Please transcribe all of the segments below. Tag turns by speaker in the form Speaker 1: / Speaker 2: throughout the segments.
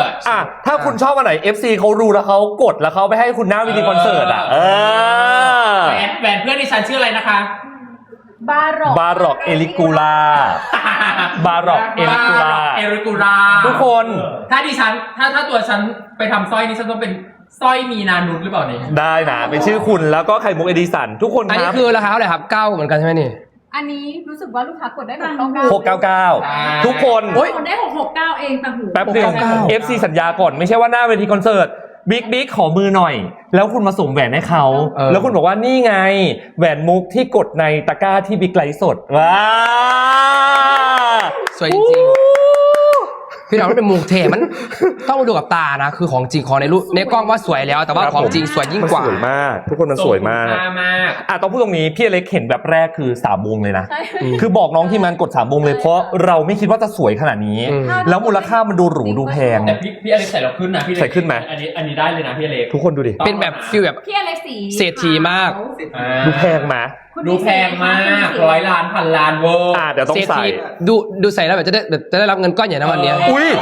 Speaker 1: ร์ต
Speaker 2: ถ้าคุณชอบอันไหน FC เขารู้แล้วเขากดแล้วเขาไปให้คุณหน้าเวทีคอนเสิร์ต
Speaker 1: แหวนเพื่อนดิฉันชื่ออะไรนะคะ
Speaker 3: บารอก
Speaker 2: เอลิกูล่าบารอกเอลิกูล่าทุกคน
Speaker 1: ถ้าดิฉันถ้าตัวฉันไปทำสร้อยนี่ฉันต้องเป็นสร้อยมีนานุชหรือเปล่าเนี่ย
Speaker 2: ได้นะเป็นชื่อคุณแล้วก็ไข่มุกเอดิสันทุกคนครับ
Speaker 4: อันนี้คือราคาเท่าไหร่ครับ9เหมือนกันใช่ไหมนี่
Speaker 3: อันนี้รู้สึกว่าลูกค้ากดได้
Speaker 2: 699ทุกคน
Speaker 3: กดได้669เองต่างหู
Speaker 2: แป๊บเดียว FC สัญญาก่อนไม่ใช่ว่าหน้าเวทีคอนเสิร์ตบิ๊กขอมือหน่อยแล้วคุณมาส่งแหวนให้เขาแล้วคุณบอกว่านี่ไงแหวนมุกที่กดในตะกร้าที่บิ๊กไลฟ์สดว้า
Speaker 4: สวยจริงพี่น้องเป็นมุกเทมันต้องมาดูกับตานะคือของจริงของในรูปในกล้องว่าสวยแล้วแต่ว่าของจริงสวยยิ่งกว่า
Speaker 2: สวยมากทุกคนมันสวยมากต้องพูดตรงนี้พี่อเล็กเห็นแบบแรกคือ3 วงเลยนะคือบอกน้องที่มันกด3 วงเลยเพราะเราไม่คิดว่าจะสวยขนาดนี้แล้วมูลค่ามันดูหรูดูแพง
Speaker 1: แต่พี่อเล็กใส่เราขึ้นนะพี่
Speaker 2: ใส่ขึ้นไหม
Speaker 1: อันนี้ได้เลยนะพี่อเล็ก
Speaker 2: ทุกคนดูดิ
Speaker 4: เป็นแบบฟีลแบบ
Speaker 3: พี่อเล็กสี
Speaker 4: เศรษฐีมาก
Speaker 2: ดูแพงไหม
Speaker 1: ดูแพงมาก100 ล้านพันล้านเวอร์
Speaker 2: เดี๋ยวต้องใส่
Speaker 4: ดูใส่แล้วแบบจะได้รับเงินก้อนใหญ่นะวันนี้
Speaker 2: อุ้ย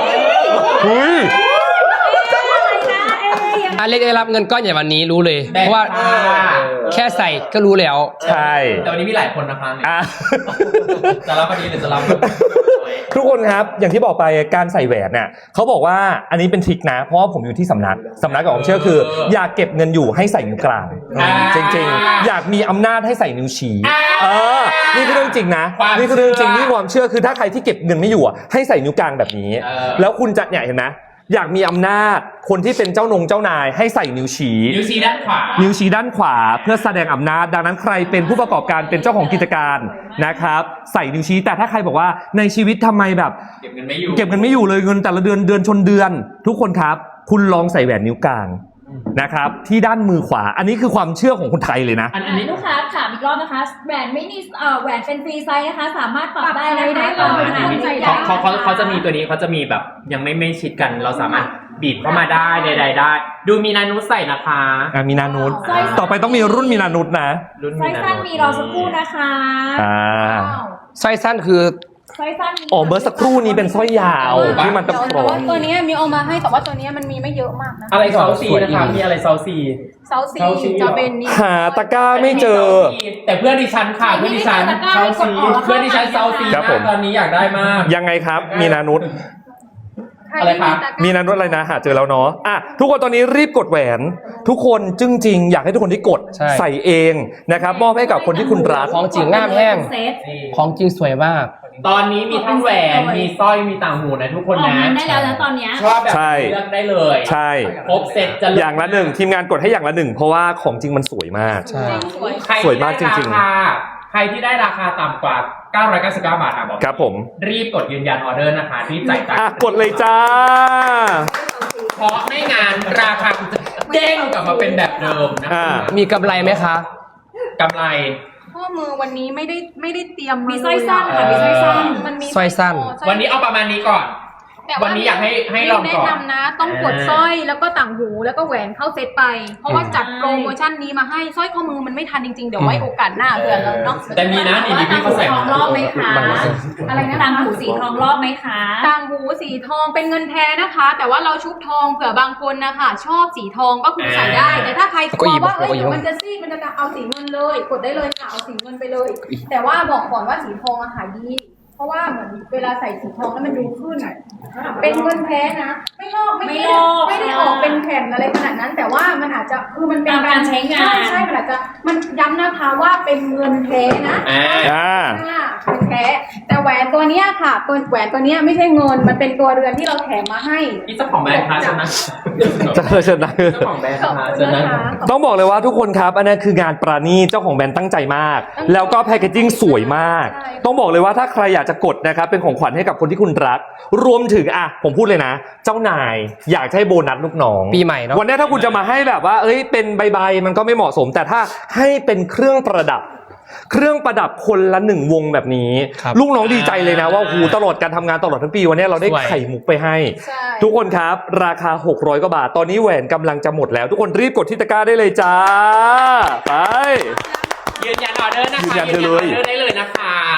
Speaker 4: อเล็กได้รับเงินก้อนใหญ่วันนี้รู้เลยเพราะว่าแค่ใส่ก็รู้แล้ว
Speaker 2: ใช่
Speaker 1: แต่วันนี้มีหลายคนนะคะจะรับวันนี้หรือจะรับ
Speaker 2: ทุกคนครับอย่างที่บอกไปการใส่แหวนเนี่ยเขาบอกว่าอันนี้เป็นทริคนะเพราะว่าผมอยู่ที่สำนักกับผมเชื่อคืออยากเก็บเงินอยู่ให้ใส่นิ้วกลางจริงๆอยากมีอำนาจให้ใส่นิ้วชี้นี่คือเรื่องจริงนะนี่คือเรื่องจริงนี่ความเชื่อคือถ้าใครที่เก็บเงินไม่อยู่ให้ใส่นิ้วกลางแบบนี้แล้วคุณจะเนี่ยเห็นไหมอยากมีอำนาจคนที่เป็นเจ้านายให้ใส่นิ้วชี้
Speaker 1: ด้านขวา
Speaker 2: เพื่อแสดงอำนาจดังนั้นใครเป็นผู้ประกอบการเป็นเจ้าของกิจการนะครับใส่นิ้วชี้แต่ถ้าใครบอกว่าในชีวิตทำไมแบบ
Speaker 1: เก็บเงินไม่
Speaker 2: อยู่เลยเงินแต่ละเดือนชนเดือนทุกคนครับคุณลองใส่แหวนนิ้วกลางนะครับที่ด้านมือขวาอันนี้คือความเชื่อของคนไทยเลยนะ
Speaker 3: อันนี้ลูกค้าถามอีกรอบนะคะแหวนไม่นี่แหวนเป็นฟรีไซส์นะคะสามารถปรับได้นะคะ
Speaker 1: เขาจะมีตัวนี้เขาจะมีแบบยังไม่ชิดกันเราสามารถบีบเข้ามาได้ใดๆได้ดูมีนานุษใส่นะคะ
Speaker 2: มีนานุษต่อไปต้องมีรุ่นมีนานุษนะ
Speaker 3: ไซส์สั้นมีรอสักครู่นะคะ
Speaker 4: ไซส์สั้นคือ
Speaker 2: เบอร์สักครู่นี้เป็นสร้อยยาวที่มันตะโขง
Speaker 3: ตัวนี้มีเอามาให้แต่ว่าตัวนี้มันมีไม่เยอะมากนะ
Speaker 1: อะไรเซาซีนะคะมีอะไรเซาซี
Speaker 3: จะเป็นนี่
Speaker 2: หาตะกร้าไม่เจอ
Speaker 1: แต่เพื่อนดิฉันค่ะเพื่อนดิฉันเซาซีเพื่อนดิฉันเซาซีตอนนี้อยากได้มาก
Speaker 2: ยังไงครับมีนานุษ
Speaker 1: อะไรครับ
Speaker 2: มีนานุษอะไรนะหาเจอแล้วเนาะทุกคนตอนนี้รีบกดแหวนทุกคนจริงอยากให้ทุกคนที่กดใส่เองนะครับมอบให้กับคนที่คุณรัก
Speaker 4: ของจริงง่ามแห้งของจริงสวยมาก
Speaker 1: ตอนนี้มีทั้งแหวนมีสร้อยมีต่างหูนะทุกคนนะ
Speaker 3: ได้แล้วนะตอนนี้
Speaker 1: ชอบแบบเลือกได้เลย
Speaker 2: ใช่
Speaker 1: ครบเซ็ตจะ
Speaker 2: อย่างละ1ทีมงานกดให้อย่างละ1เพราะว่าของจริงมันสวยมาก
Speaker 4: ใช่
Speaker 2: สวยมากจริง
Speaker 1: ๆใครที่ได้ราคาต่ำกว่า999 บาทบอก
Speaker 2: ครับผม
Speaker 1: รีบกดยืนยันออเดอร์นะคะรีบจ่ายตังค์
Speaker 2: กดเลยจ้า
Speaker 1: เพราะไม่งานราคาจะเด้งกลับมาเป็นแบบเดิมนะ
Speaker 4: มีกำไรไหมคะ
Speaker 1: กำไร
Speaker 3: ข้อมือวันนี้ไม่ได้เตรียมมีสร้อยสั้นค่ะมีสร้อยสั้นมันมี
Speaker 4: สร้อยสั้น
Speaker 1: วันนี้เอาประมาณนี้ก่อนวันนี้อยากให้ลองก่อน
Speaker 3: แนะนำนะต้องกดสร้อยแล้วก็ต่างหูแล้วก็แหวนเข้าเซตไปเพราะว่าจัดโปรโมชั่นนี้มาให้สร้อยข้อมือมันไม่ทันจริงๆเดี๋ยวไว้โอกาสหน้าเผื่อเราเนาะ
Speaker 1: แต่มีนะนี่พี่เขาใส่
Speaker 3: ทองรอบไหมคะอะไรนะต่างหูสีทองรอบไหมคะต่างหูสีทองเป็นเงินแท้นะคะแต่ว่าเราชุบทองเผื่อบางคนนะคะชอบสีทองก็คือใส่ได้แต่ถ้าใครกลัวว่ามันจะซีดมันจะเอาสีเงินเลยกดได้เลยค่ะเอาสีเงินไปเลยแต่ว่าบอกก่อนว่าสีทองขายดีเพราะว่าเหมือนเวลาใส่สีทองแล้วมันดูขึ้นเป็นเงินแท้นะไม่ลอกไม่ได้ออกเป็นแผ่นอะไรขนาดนั้นแต่ว่ามันอาจจะคือมันเป็น
Speaker 5: การใช้งาน
Speaker 3: ใช่มันอาจจะมันย้ำนะคะว่าเป็นเงินแท้นะเป็นแท้แต่แหวนตัวนี้ค่ะแหวนตัวนี้ไม่ใช่เงินมันเป็นตัวเรือนที่เราแถมมาให้
Speaker 1: นี่เจ้าของแบรนด์คะใช่ไหม
Speaker 2: เชิญนะ
Speaker 1: เจ้าของแบรนด์นะคะเชิญนะ
Speaker 2: ต้องบอกเลยว่าทุกคนครับอันนั้นคืองานปราณีตเจ้าของแบรนด์ตั้งใจมากแล้วก็แพคเกจจิ้งสวยมากต้องบอกเลยว่าถ้าใครอยากจะกดนะครับเป็นของขวัญให้กับคนที่คุณรักรวมถึงผมพูดเลยนะเจ้านายอยากให้โบนัสลูกน้อง
Speaker 4: ปีใหม่เนาะ
Speaker 2: วันนี้ถ้าคุณจะมาให้แบบว่าเป็นใบมันก็ไม่เหมาะสมแต่ถ้าให้เป็นเครื่องประดับคนละ1 วงแบบนี้ลูกน้องดีใจเลยนะว่าตลอดการทำงานตลอดทั้งปีวันนี้เราได้ไข่มุกไปให้ทุกคนครับราคา600 กว่าบาทตอนนี้แหวนกำลังจะหมดแล้วทุกคนรีบกดที่ตะกร้าได้เลยจ้าไป
Speaker 1: ยืนยันออเดอร์นะคะยืนยันออเดอร์ได้เลยนะคะ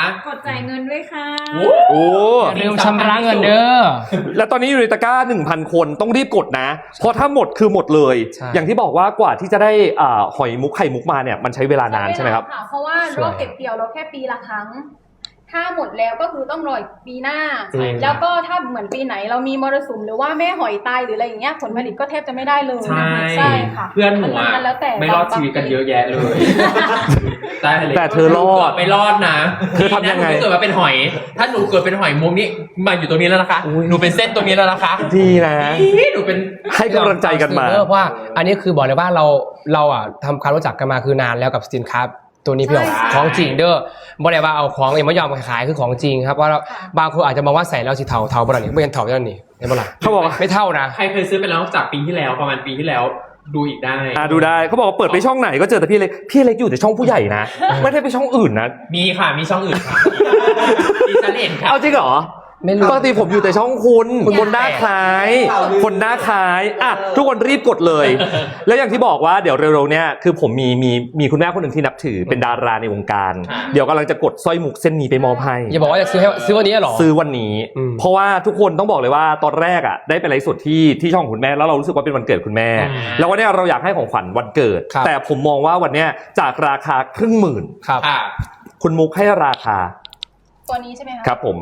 Speaker 3: กดจ่ายเงินด้วยค่ะ
Speaker 2: โอ้
Speaker 4: อย่าลืมชำระเงินเด้อ
Speaker 2: แล้วตอนนี้อยู่ในตะกร้า 1,000 คนต้องรีบกดนะ เพราะถ้าหมดคือหมดเลย
Speaker 4: ใช่
Speaker 2: อย่างที่บอกว่ากว่าที่จะได้หอยมุกไข่มุกมาเนี่ยมันใช้เวลานานใช่ไหมครับ
Speaker 3: เพราะว่ารอบเก็บเกี่ยวเราแค่ปีละครั้ง ถ้าหมดแล้วก็คือต้องรออีกปีหน้า
Speaker 1: ใช่ครับ
Speaker 3: แล้วก็ถ้าเหมือนปีไหนเรามีมรสุมหรือว่าแม่หอยตายหรืออะไรอย่างเงี้ยผลผลิตก็แทบจะไม่ได้เลย
Speaker 1: ใช่
Speaker 3: ค่ะ
Speaker 1: เพื่อนหนูอะ
Speaker 3: มัแล้วแต่
Speaker 1: ไม่รอดชีวิตกันเยอะแยะเลยได้เลย
Speaker 2: แต่เธอรอด
Speaker 1: ไม่รอดนะ
Speaker 2: เธอทำยังไง
Speaker 1: หนูม่เกิดมาเป็นหอย ถ้าหนูเกิดเป็นหอยมุกนี่มาอยู่ตรงนี้แล้วนะคะ
Speaker 2: อุ๊ย
Speaker 1: หนูเป็นเส้นตรงนี้แล้วนะคะ
Speaker 2: ดีนะ
Speaker 1: หนูเป็น
Speaker 2: ให้กำลังใจกันมา
Speaker 4: เพราะว่าอันนี้คือบอกเลยว่าเราอ่ะทำความรู้จักกันมาคือนานแล้วกับสินค้าตัวนี้พี่อ๋อ
Speaker 3: ใช่
Speaker 4: ของจริงเด้อบอกเลยว่าเอาของเอ็มไม่ยอมขายคือของจริงครับว่าบางคนอาจจะมองว่าใส่แล้วสีเทาบ่ล่ะนี่ไม่เห็นเทาแล้วนี่เห็นบ่ล่ะ
Speaker 2: เขาบอกว่า
Speaker 4: ไม่เท่านะ
Speaker 1: ใครเคยซื้อไปแล้วจากปีที่แล้วประมาณปีที่แล้วดูอีกได้
Speaker 2: ดูได้เขาบอกว่าเปิดไปช่องไหนก็เจอแต่พี่เล็กอยู่แต่ช่องผู้ใหญ่นะ ไม่ได้ไปช่องอื่นนะ
Speaker 1: มีค่ะมีช่องอื่นค่ะดิฉันเห็นค่ะ
Speaker 2: เอาจริงเหรอ
Speaker 4: ไม่รู้
Speaker 2: ปกติผมอยู่แต่ช่องคุณคนหน้าคล้ายคนหน้าคล้ายอ่ะทุกคนรีบกดเลย แล้วอย่างที่บอกว่าเดี๋ยวเร็วๆเนี่ยคือผมมีคุณแม่คนหนึ่งที่นับถือเป็นดาราในวงการ เดี๋ยวกำลังจะกดสร้อยมุกเส้นนี้ไปมอบให้
Speaker 4: อย่าบอกว่าจะซื้อวันนี้เหรอ
Speaker 2: ซื้อวันนี้
Speaker 4: อืม
Speaker 2: เพราะว่าทุกคนต้องบอกเลยว่าตอนแรกอ่ะได้ไปไลฟ์สดที่ช่องคุณแม่แล้วเรารู้สึกว่าเป็นวันเกิดคุณแม่ แล้ววันเนี้ยเราอยากให้ของขวัญวันเกิด
Speaker 4: ครับ
Speaker 2: แต่ผมมองว่าวันเนี้ยจากราคา10,000
Speaker 4: ครับ
Speaker 1: ค่ะ
Speaker 2: คุณมุกให้ราคา
Speaker 3: ตัวนี้ใช่ไหมคะ
Speaker 2: ครับผม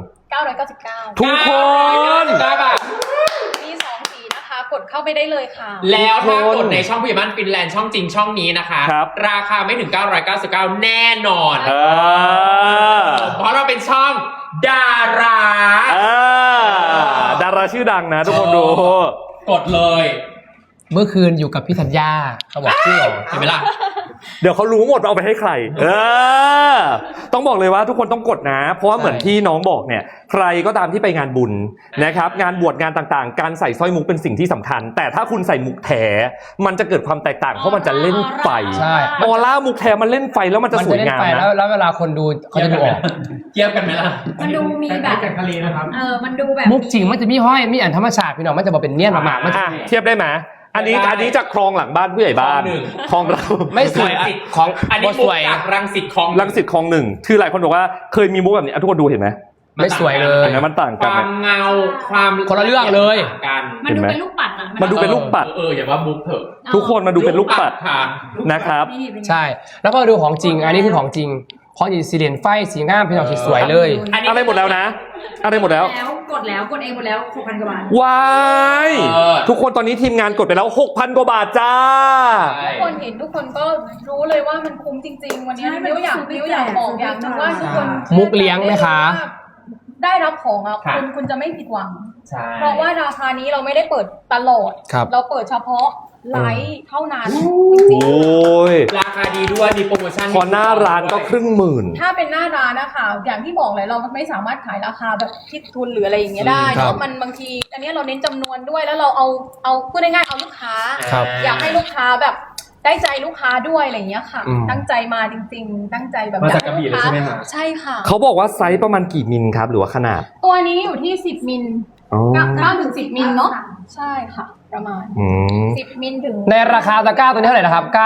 Speaker 3: 999
Speaker 2: ทุกคน
Speaker 1: 999 บาท
Speaker 3: มี2สีนะคะ กดเข้าไปได้เลยค่ะ
Speaker 1: แล้วถ้ากดในช่องผู้ใหญ่บ้านฟินแลนด์ช่องจริงช่องนี้นะคะ
Speaker 2: ครับ
Speaker 1: ราคาไม่ถึง 999 แน่นอน เพราะเราเป็นช่องดารา
Speaker 2: ดาราชื่อดังนะทุกคนดู
Speaker 1: กดเลย
Speaker 4: เมื่อคืนอยู่กับพี่ธัญญาเขาบอกชื่อออก
Speaker 1: เห็นไหมล่ะ
Speaker 2: เดี๋ยวเขารู้หมดว่าเอาไปให้ใครต้องบอกเลยว่าทุกคนต้องกดนะ เพราะว่าเหมือนที่น้องบอกเนี่ย ใครก็ตามที่ไปงานบุญนะครับ งานบวชงานต่างๆ การใส่สร้อยมุกเป็นสิ่งที่สำคัญ แต่ถ้าคุณใส่มุกแถมันจะเกิดความแตกต่าง เพราะมันจะเล่นไฟ
Speaker 4: ใช่
Speaker 2: ออร่ามุกแถมันเล่นไฟแล้วมันจะ
Speaker 4: มัน
Speaker 2: สว
Speaker 4: จะ
Speaker 2: ย
Speaker 4: เล่น
Speaker 2: งาม
Speaker 4: ไป
Speaker 2: นะ
Speaker 4: แล้วเวลาคนดูเขาจะดูออก
Speaker 1: เทียบกันไหมล่ะ
Speaker 3: มันดูมีแบบ
Speaker 1: จากทะเลนะครับ
Speaker 3: มันดูแบบ
Speaker 4: มุกจริงมันจะมีห้อยมีอันธรรมชาติพี่น้องมันจะบอกเป็นเนียนมากๆมันจะ
Speaker 2: เทียบได้ไหมอันนี้จากคลองหลังบ้านผู้ใหญ่บ้านคลองเรา
Speaker 4: ไม่สวยของ
Speaker 1: อันนี้
Speaker 4: บ่
Speaker 1: มุ
Speaker 4: ส
Speaker 1: ก
Speaker 4: วย
Speaker 1: จากรังสิตคลอง
Speaker 2: รังสิตคลองหนึ่งคือหลายคนบอกว่าเคยมีมุกแบบนี้ทุกคนดูเห็นไหม
Speaker 4: ไม่สวยเลย
Speaker 2: เห็นไหมมันต่าง
Speaker 1: ค
Speaker 2: กัน
Speaker 1: วา
Speaker 2: ไหม
Speaker 1: มเงาความ
Speaker 4: คนละเรื่องเลย
Speaker 1: ต่างกัน
Speaker 3: มันดูเป็นลูกปัดอะ
Speaker 2: มันดูเป็นลูกปัด
Speaker 1: อย่าว่ามุกเถอะ
Speaker 2: ทุกคนมาดูเป็นลูกปัด
Speaker 1: ค่ะ
Speaker 2: นะครับ
Speaker 3: นี่เป็นไง
Speaker 4: ใช่ แล้วก็ดูของจริง อันนี้คือของจริงของจริงสีเหรียญไฟสีงามพี่น้องสีสวยเลย
Speaker 2: อะไรหมดแล้วนะ อะไรหมดแล้ว
Speaker 3: กดเองหมดแล้ว 6,000 กว่าบาท
Speaker 2: ว้ายทุกคนตอนนี้ทีมงานกดไปแล้ว 6,000 กว่าบาทจ้า
Speaker 3: ทุกคนเห็นทุกคนก็รู้เลยว่ามันคุ้มจริง ๆ วันนี้มิ้วอยากบอกอย่างหนึงว่าทุกคน
Speaker 4: มุกเลี้ยงไหมคะ
Speaker 3: ได้รับของอ่ะคุณจะไม่ผิดหวัง
Speaker 1: ใช่
Speaker 3: เพราะว่าราคานี้เราไม่ได้เปิดตลอด
Speaker 4: ครับ
Speaker 3: เราเปิดเฉพาะไลฟ์เท่านั้นจ
Speaker 2: โอ
Speaker 3: ริง้
Speaker 2: ย
Speaker 1: ราคาดีด้วยมีโปรโมชั่น
Speaker 2: พอหน้าร้านก็10,000
Speaker 3: ๆถ้าเป็นหน้าร้านนะคะอย่างที่บอกเลยเราไม่สามารถขายราคาแบบคิดทุนหรืออะไรอย่างเงี้ยได้
Speaker 4: ครับ
Speaker 3: เนาะมันบางทีอันนี้เราเน้นจำนวนด้วยแล้วเราเอาพูดง่ายๆเอาลูกค้า
Speaker 4: ครับ
Speaker 3: อยากให้ลูกค้าแบบได้ใจลูกค้าด้วยอะไรอย่างเงี้ยค่ะ
Speaker 4: อืม
Speaker 3: ตั้งใจมาจริงๆ ตั้งใจแบบ
Speaker 1: มา
Speaker 3: อยา
Speaker 1: จาก
Speaker 3: ก
Speaker 1: กระ
Speaker 3: ให้
Speaker 1: บี่
Speaker 3: ลูก
Speaker 1: เลย
Speaker 3: ค้า
Speaker 1: ใช่ไหมคะ
Speaker 3: ใช่ค่ะ
Speaker 2: เขาบอกว่าไซส์ประมาณกี่มิลครับ หรือว่าขนาด
Speaker 3: ตัวนี้อยู่ที่10 มิล
Speaker 2: อ๋อ
Speaker 3: 9ถึง10 มิลเนาะใช่ค่ะ ประมาณ
Speaker 2: อืม
Speaker 3: 10 มิลถึง
Speaker 4: ในราคาตะกร้าตัวนี้เท่าไหร่นะครับ 900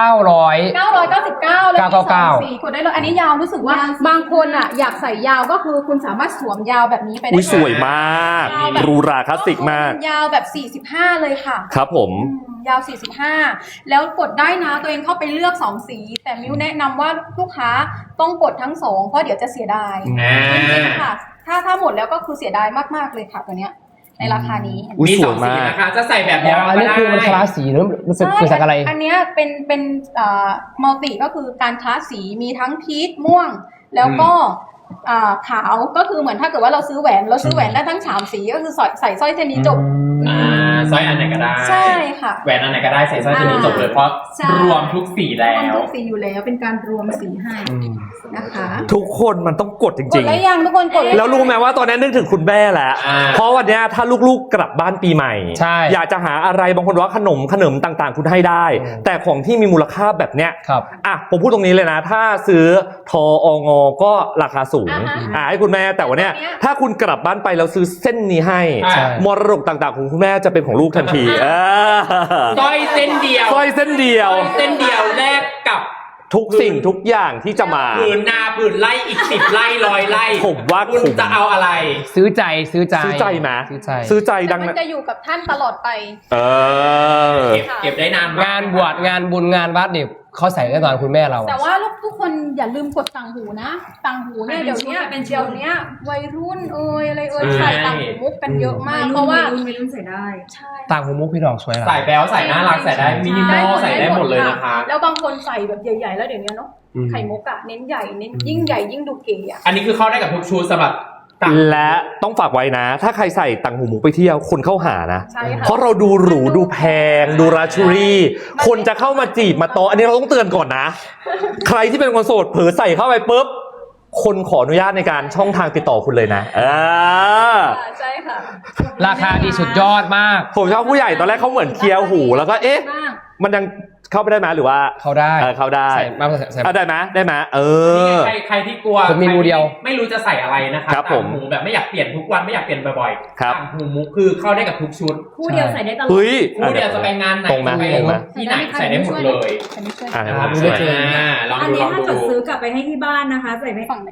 Speaker 3: 999แล้วมีสอง
Speaker 4: 999
Speaker 3: สีกดได้เลยอันนี้ยาวรู้สึกว่าบางคนอ่ะอยากใส่ยาวก็คือคุณสามารถสวมยาวแบบนี้ไปได้
Speaker 2: อุ้ยสวยมากหรูหราคลาสสิกมาก
Speaker 3: ยาวแบบ45เลยค่ะ
Speaker 2: ครับผม
Speaker 3: ยาว 45 แล้วกดได้นะตัวเองเข้าไปเลือก 2 สี แต่มิ้วแนะนำว่าลูกค้าต้องกดทั้ง 2 เพราะเดี๋ยวจะเสียดาย
Speaker 1: อ่า
Speaker 3: จริงๆค่ะ ถ้าหมดแล้วก็คือเสียดายมากๆเลยค่ะตัวเนี้ยในราคานี้
Speaker 2: อุ๊ย
Speaker 1: มี
Speaker 2: ส
Speaker 1: ส
Speaker 2: ว
Speaker 1: อย ง
Speaker 2: มาก
Speaker 1: สีนะคะ จะใส่แบบ
Speaker 4: อ๋
Speaker 1: ยาว
Speaker 4: ออันนี้คือมันคลาสสีหรือมันเป็นเกิดจากอะไร
Speaker 3: อันเนี้ยเป็นมัลติก็คือการคลาสสีมีทั้งพีชม่วง แล้วก็ขาวก็คือเหมือนถ้าเกิดว่าเราซื้อแหวนได้ทั้ง3สีก็คือใส่สร้อยเส้นนี้จบ
Speaker 1: สร้อยอันไหนก็ได้
Speaker 3: ใช่ค่ะ
Speaker 1: แหวนอันไหนก็ได้ใส่สร้อยตัวนี้จบเลยเพราะ
Speaker 3: ใช่
Speaker 1: รวมทุกสีแล้
Speaker 3: รวม
Speaker 1: ว
Speaker 3: ทุกสีอยู่แล้วเป็นการรวมสีให้นะคะ
Speaker 2: ทุกคนมันต้องกดจ
Speaker 3: ก
Speaker 2: ริ
Speaker 3: ด
Speaker 2: ง
Speaker 3: แล้วยังทุกคนกด
Speaker 2: ๆ แล้วรู้ไหมว่าตอนนี้นึกถึงคุณแม่แล้ว
Speaker 1: อ่า
Speaker 2: เพราะวันเนี้ยถ้าลูกๆกลับบ้านปีใหม่
Speaker 4: ใช่
Speaker 2: อยากจะหาอะไรบางคนว่าขนมต่างๆ คุณให้ได้ แต่ของที่มีมูลค่าแบบเนี้ย
Speaker 4: ครับ
Speaker 2: อ่ะผมพูดตรงนี้เลยนะ ถ้าซื้อทอองก็ราคาสูงให้คุณแม่แต่วันเนี้ยถ้าคุณกลับบ้านไปแล้วซื้อเส้นนี้ให้
Speaker 1: ใช่
Speaker 2: มรดกต่างๆของคุณแม่จะเป็นของลูกทันที
Speaker 1: สร้อยเส้นเดียว
Speaker 2: สร้อยเส้นเดียว
Speaker 1: สร้อยเส้นเดียวแลกกับ
Speaker 2: ทุกสิ่งทุกอย่างที่จะมา
Speaker 1: ผืนนาผืนไร่อีก10 ไร่100 ไร่
Speaker 2: ผมว่า
Speaker 1: คุณจะเอาอะไร
Speaker 4: ซื้อใจซื้อใจ
Speaker 2: ซื้อใจไหม
Speaker 4: ซื้อใจ
Speaker 2: ซื้อใจ
Speaker 3: แต่
Speaker 2: ดัง
Speaker 3: มัน
Speaker 2: นั้น
Speaker 3: จะอยู่กับท่านตลอดไป
Speaker 1: เก็บได้นานมก
Speaker 4: งานบวชงานบุญงานวัดเนี่ยเขาใส่แน่นอนคุณแม่เรา
Speaker 3: แต่ว่าทุกคนอย่าลืมกดต่างหูนะต่างหูเนี่ยเดี๋ยวนี้วัยรุ่นอะไรใส่ต่างหูมุกกันเยอะมากเพราะว่า
Speaker 5: ไม่รุ่นใส่ได้
Speaker 3: ใช่
Speaker 4: ต่างหูมุกพี่ดอกสวยหรอ
Speaker 1: ใส่แบลใส่น่ารักใส่ได้มินิมอลใส่ได้หมดเลยนะคะ
Speaker 3: แล้วบางคนใส่แบบใหญ่ๆแล้วเดี๋ยวนี้เนาะไข่มุกอะเน้นใหญ่เน้นยิ่งใหญ่ยิ่งดูเก๋อะ
Speaker 1: อันนี้คือเข้าได้กับทุกชุดสำหรับต่าง
Speaker 2: และต้องฝากไว้นะ ถ้าใครใส่ต่างหูหมูไปเที่ยวคนเข้าหานะ
Speaker 3: ใช่ค่ะ
Speaker 2: เพราะเราดูหรูดูแพงดูราชูรี่ คนจะเข้ามาจีบมาโตะอันนี้เราต้องเตือนก่อนนะ ใครที่เป็นคนโสดเผลอใส่เข้าไปปุ๊บคนขออนุญาตในการช่องทางติดต่อคุณเลยนะ
Speaker 3: ใช่ค่ะ
Speaker 4: ราคาดีสุดยอดมาก
Speaker 2: ผมชอบผู้ใหญ่ตอนแรกเขาเหมือนเคลียร์หูแล้วก็เอ๊ะ
Speaker 3: มาก
Speaker 2: มันยังเข้าไปได้ไหมหรือว่า
Speaker 4: เขาได้
Speaker 2: เข้าได้
Speaker 4: ใส่มาใส่
Speaker 2: ได้ไหมได้ไหม
Speaker 1: ใครที่กลัว
Speaker 4: ผมมีมูเดียว
Speaker 1: ไม่รู้จะใส่อะไรนะคะ
Speaker 2: ครับผม
Speaker 1: ต่างหูแบบไม่อยากเปลี่ยนทุกวันไม่อยากเปลี่ยนบ่อยๆ
Speaker 2: ครับ
Speaker 1: ต่างหูมุกคือเข้าได้กับทุกชุด
Speaker 5: คู่เดียวใส่ได้ตลอด
Speaker 2: เฮ้ย
Speaker 1: คู่เดียวจะไปงานไหน
Speaker 2: ตรงไหม
Speaker 1: จะไป
Speaker 2: ตรงไหม
Speaker 1: ที่ไหนใส่ได้หมดเลย
Speaker 2: อ่า
Speaker 1: นะครับ
Speaker 2: ช่วย
Speaker 1: ลอง
Speaker 5: อัน
Speaker 1: ดู
Speaker 5: นี้
Speaker 1: ลอง
Speaker 5: ถ้า
Speaker 1: ดู
Speaker 5: เกิดซื้อกลับไปให้ที่บ้านนะคะ ใส่ไม่
Speaker 3: ฝั่ง